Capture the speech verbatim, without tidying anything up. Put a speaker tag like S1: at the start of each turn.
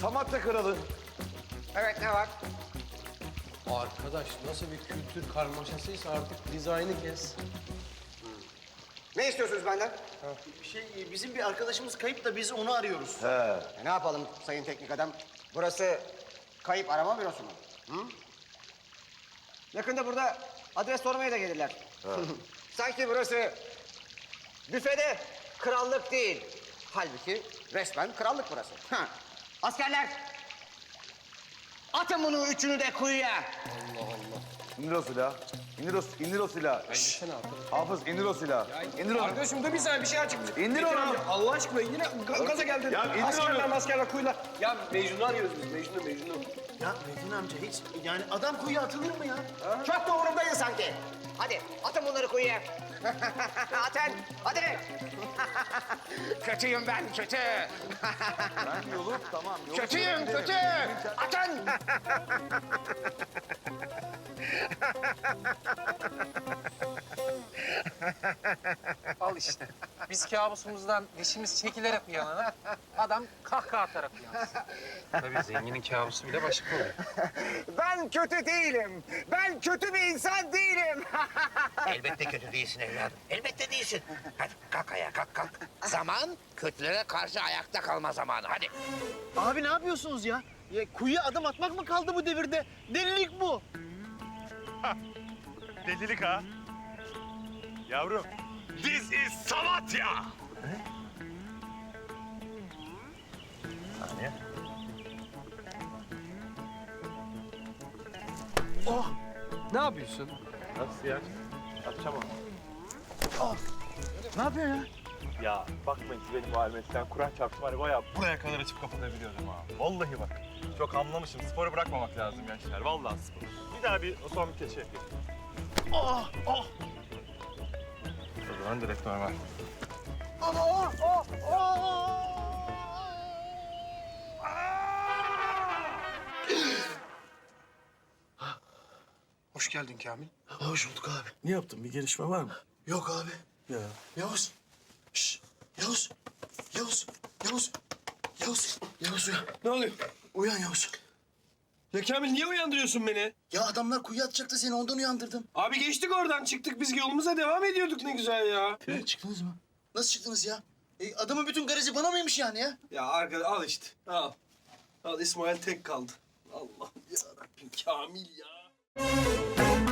S1: Samatya Kralı.
S2: Evet, ne var?
S3: Arkadaş nasıl bir kültür karmaşasıysa artık dizaynı kes.
S2: Ne istiyorsunuz benden?
S4: Şey, bizim bir arkadaşımız kayıp da biz onu arıyoruz.
S1: He.
S2: E, ne yapalım sayın teknik adam? Burası kayıp arama bürosu mu? Hı? Yakında burada adres sormaya da gelirler. Sanki burası büfede krallık değil. Halbuki resmen krallık burası. Ha. Askerler! Atın bunu üçünü de kuyuya.
S1: İndir o silahı. İndir o, indir o silahı.
S3: Sen arkadaş.
S1: Hafız indir o silahı. İndir onu.
S3: Arkadaşım dur bir saniye bir şey açıkmış.
S1: İndir onu.
S3: Allah aşkına yine ga- gaza geldin.
S1: Ya indir
S3: askerler
S1: onu.
S3: maskerler kuyular. Ya Mecnun'u arıyoruz biz Mecnun'u Mecnun'u.
S4: Ya Metin amca hiç yani adam kuyuya atılır mı ya?
S2: Çok da umurumdayız sanki. Hadi atın bunları kuyuya. Atın, hadi. Kötüyüm ben, kötü.
S1: Ben yolu tamam. Yolu
S2: Kötüyüm,
S1: gidelim.
S2: kötü. Atın.
S5: Al işte. Biz kabusumuzdan dişimiz çekilerek uyanana adam kahkaha atarak uyansın. Tabii zenginin kabusu bile başka oluyor.
S2: Ben kötü değilim. Ben kötü bir insan değilim.
S6: Elbette kötü değilsin evladım. Elbette değilsin. Hadi kalk ayağa kalk kalk. Zaman kötülere karşı ayakta kalma zamanı. Hadi.
S4: Abi ne yapıyorsunuz ya? Ya kuyuya adım atmak mı kaldı bu devirde? Delilik bu.
S7: Delilik ha? Yavrum, this is Samatya. Saniye.
S3: Ne yapıyorsun?
S7: Nasıl ya? Atacağım onu.
S4: Ne yapıyorsun ya?
S7: Ya bakmayın siz benim bu halime. Sen Kur'an çarptım hani bayağı buraya kadar açıp kapatabiliyordum ha. Vallahi bak. Çok anlamışım. Sporu bırakmamak lazım gençler. Vallahi spor. Bir daha bir o son bir keçe yapayım. Oh! Oh! O zaman direkt normal.
S3: Hoş geldin Kamil.
S8: Hoş bulduk abi. Ne yaptın? Bir gelişme var mı? Yok abi.
S3: Ya.
S8: Yavuz. Şşş. Yavuz. Yavuz. Yavuz. Yavuz. Yavuz uyan.
S3: Ne oluyor?
S8: Uyan Yavuz.
S3: Ya Kamil niye uyandırıyorsun beni?
S8: Ya adamlar kuyuya atacaktı seni ondan uyandırdım.
S3: Abi geçtik oradan çıktık biz yolumuza devam ediyorduk ne güzel ya.
S8: Ne? Çıktınız mı? Nasıl çıktınız ya? E, adamın bütün garajı bana mıymış yani ya?
S3: Ya arkadaş al işte al. Al İsmail tek kaldı. Allah'ım yarabbim Kamil ya.